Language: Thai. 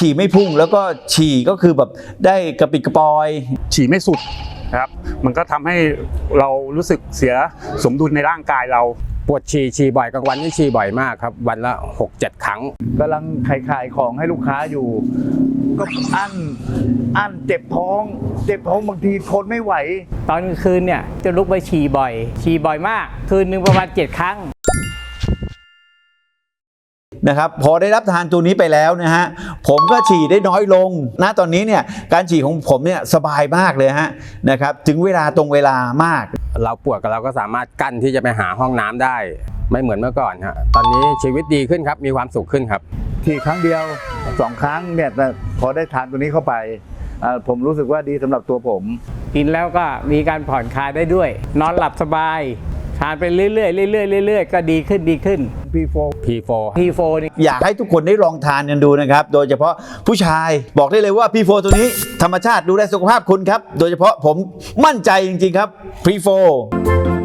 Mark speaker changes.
Speaker 1: ฉี่ไม่พุ่งแล้วก็ฉี่ก็คือแบบได้กระปิดกระปอย
Speaker 2: ฉี่ไม่สุดครับมันก็ทำให้เรารู้สึกเสียสมดุลในร่างกายเรา
Speaker 3: ปวดฉี่บ่อยกลางวันนี่ฉี่บ่อยมากครับวันละ 6-7 ครั้ง
Speaker 4: กำลังขายของให้ลูกค้าอยู่ก็อั้นเจ็บท้องบางทีทนไม่ไหว
Speaker 5: ตอนกลางคืนเนี่ยจะลุกไปฉี่บ่อยมากคืนหนึ่งประมาณ7 ครั้ง
Speaker 1: นะครับพอได้รับทานตัวนี้ไปแล้วนะฮะผมก็ฉี่ได้น้อยลงนะตอนนี้เนี่ยการฉี่ของผมเนี่ยสบายมากเลยฮะนะครับถึงเวลาตรงเวลามาก
Speaker 3: เราปวดเราก็สามารถกั้นที่จะไปหาห้องน้ำได้ไม่เหมือนเมื่อก่อนฮะตอนนี้ชีวิตดีขึ้นครับมีความสุขขึ้นครับ
Speaker 4: ที่ครั้งเดียว2 ครั้งเนี่ยแต่พอได้ทานตัวนี้เข้าไปผมรู้สึกว่าดีสำหรับตัวผม
Speaker 5: กินแล้วก็มีการผ่อนคลายได้ด้วยนอนหลับสบายทานไปเรื่อยๆก็ดีขึ้น P4 นี่
Speaker 1: อยากให้ทุกคนได้ลองทานกันดูนะครับโดยเฉพาะผู้ชายบอกได้เลยว่า P4 ตัวนี้ธรรมชาติดูแลสุขภาพคุณครับโดยเฉพาะผมมั่นใจจริงๆครับ P4